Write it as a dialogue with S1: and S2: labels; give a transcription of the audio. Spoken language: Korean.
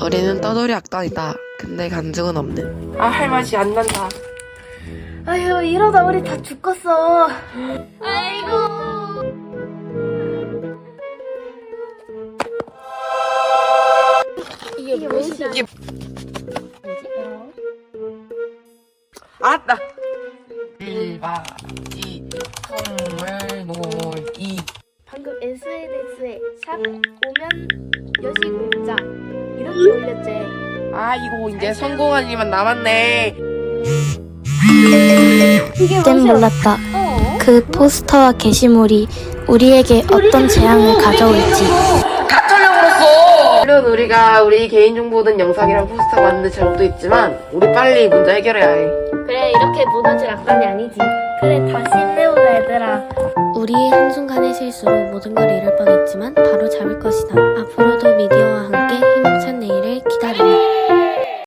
S1: 우리는 떠돌이 악단이다. 근데 간증은 없는.
S2: 아, 할 맛이 안 난다.
S3: 아휴, 이러다 우리 다 죽겠어. 아이고. 이게 무엇이야?
S2: 이게 알았다. 1박 2일 선물 놀기.
S3: 방금 SNS에 샵 오면 여시공자 이렇게 올렸지.
S2: 아, 이거 이제 성공할 일만 남았네.
S4: 그땐 몰랐다. 그 포스터와 게시물이 우리에게 어떤 재앙을 가져올지.
S2: 다 털려버렸어. 물론 우리가 우리 개인정보 든 영상이랑 포스터 만드는 잘못도 있지만 우리 빨리 문제 해결해야 해.
S3: 그래, 이렇게 무너질 악단이 아니지. 그래, 다시 힘내보자 얘들아.
S4: 우리의 한순간의 실수로 모든 걸 잃을 뻔했지만 바로 잡을 것이다. 앞으로도 미디어와 함께